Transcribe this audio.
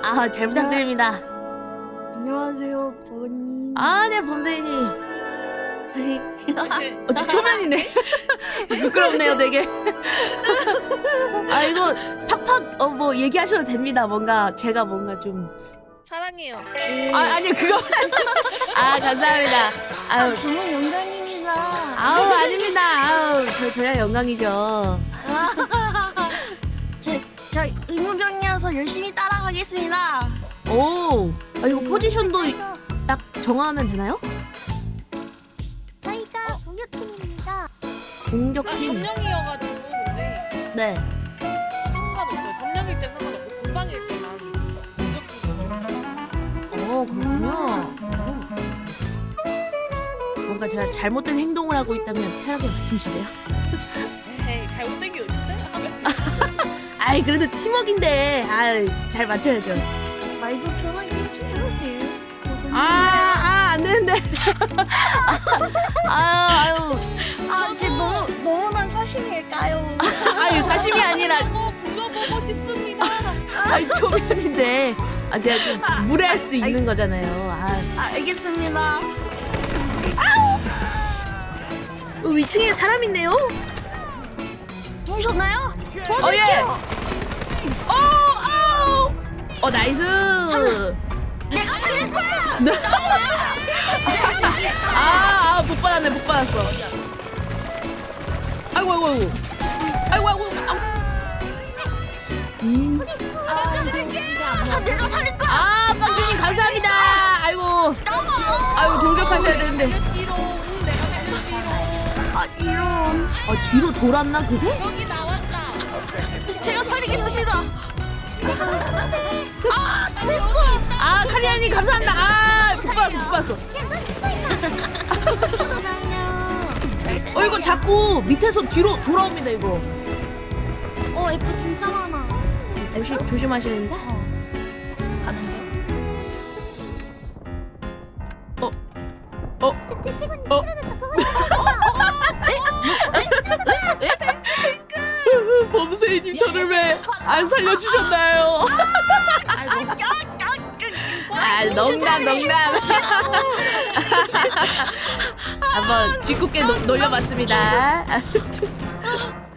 아, 잘 부탁드립니다. 안녕하세요, 버거님. 아, 네, 범세이님. 초면이네. 부끄럽네요, 되게. 아, 이거 팍팍 뭐 얘기하셔도 됩니다. 뭔가 제가 뭔가 좀. 사랑해요. 아, 아니요, 그거. 아, 감사합니다. 아유, 정말 영광입니다. 아우, 아닙니다. 아우, 저야 영광이죠. 저 의무병이어서 열심히 따라가겠습니다. 오, 아, 이거 포지션도 딱 정하면 되나요? 저희가 공격팀입니다. 공격팀. 점령이어가지고 근데 네. 상관없어요. 점령일 때 상관없고 공방일 때만 공격수. 그렇군요. 뭔가 제가 잘못된 행동을 하고 있다면 편하게 말씀 주세요. 에이 잘못된 게 어딨어요? 아이, 그래도 팀워크인데, 잘 맞춰야죠. 말도 편하게 해주셔도 돼요. 안 되는데. 아유, 제 너무난 사심일까요? 아유, 사심이 아니라, 불러보고 싶습니다. 초면인데. 제가 좀 무례할 수도 있는 거잖아요. 알겠습니다. 위층에 사람 있네요? 누우셨나요? 예. 나이스. 내가 살릴 거야! 복 받았네, 복 받았어. 아이고. 내가 살릴 거야! 빵주님 감사합니다. 아이고, 돌격하셔야 되는데. 뒤로 내가 달려 뒤로. 이런. 뒤로 돌았나, 그새? 여기 나왔다. 제가 살리겠습니다. 카리아님 감사합니다. 복 받았어. 이거 자꾸 밑에서 뒤로 돌아옵니다, 이거. F 진짜 많아. 조심하셔야 됩니다. 가는 중. 범세이님 저를 왜 안 살려주셨나요? 농담. 한번 짓궂게 놀려봤습니다.